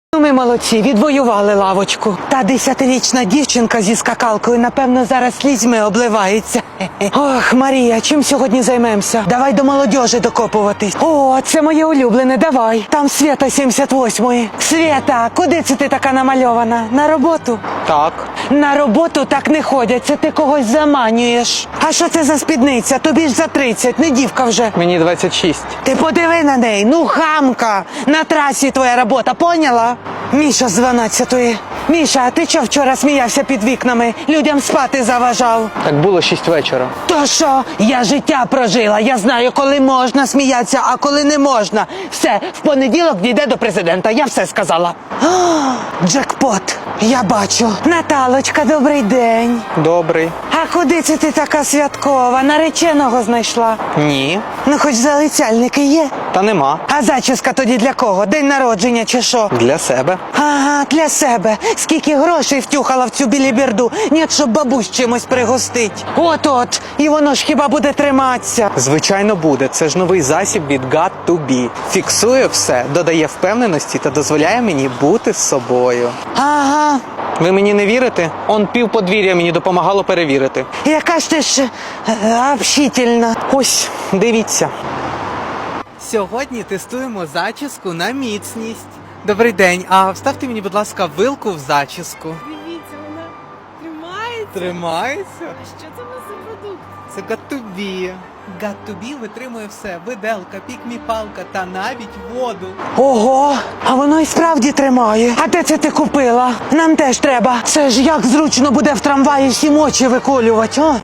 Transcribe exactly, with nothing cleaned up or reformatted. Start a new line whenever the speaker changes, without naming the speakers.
Ми молодці, відвоювали лавочку. Та десятирічна дівчинка зі скакалкою, напевно, зараз слізьми обливається. Ох, Марія, чим сьогодні займемося? Давай до молодежі докопуватись. О, це моє улюблене, давай. Там Свята сімдесят восьмої. Свята, куди це ти така намальована? На роботу?
Так.
На роботу так не ходять, це ти когось заманюєш. А що це за спідниця? Тобі ж за тридцять, не дівка вже.
Мені двадцять шість.
Ти подиви на неї, ну хамка. На трасі твоя робота, поняла? Міша з дванадцятої. Міша, а ти чого вчора сміявся під вікнами? Людям спати заважав.
Так було шість вечора.
То що? Я життя прожила. Я знаю, коли можна сміятися, а коли не можна. Все, в понеділок дійде до президента. Я все сказала. О, джекпот. Я бачу. Наталочка, добрий день.
Добрий.
А куди це ти така святкова? Нареченого знайшла?
Ні.
Ну, хоч залицяльники є.
Та нема.
А зачіска тоді для кого? День народження чи що?
Для себе.
Ага, для себе. Скільки грошей втюхала в цю біліберду. Ні, щоб бабусь чимось пригостить. От-от. І воно ж хіба буде триматися.
Звичайно буде. Це ж новий засіб від got to be. Фіксує все, додає впевненості та дозволяє мені бути з собою.
Ага.
Ви мені не вірите? Он пів подвір'я мені допомагало перевірити.
Яка ж ти ж е, общительна.
Ось, дивіться. Сьогодні тестуємо зачіску на міцність. Добрий день, а вставте мені, будь ласка, вилку в зачіску.
Дивіться, вона тримається.
Тримається?
А що це у нас за продукт?
Це got to be. got to be витримує все. Виделка, пікмі-палка та навіть воду.
Ого, а воно і справді тримає. А де це ти купила? Нам теж треба. Це ж як зручно буде в трамваї всім очі виколювати, о?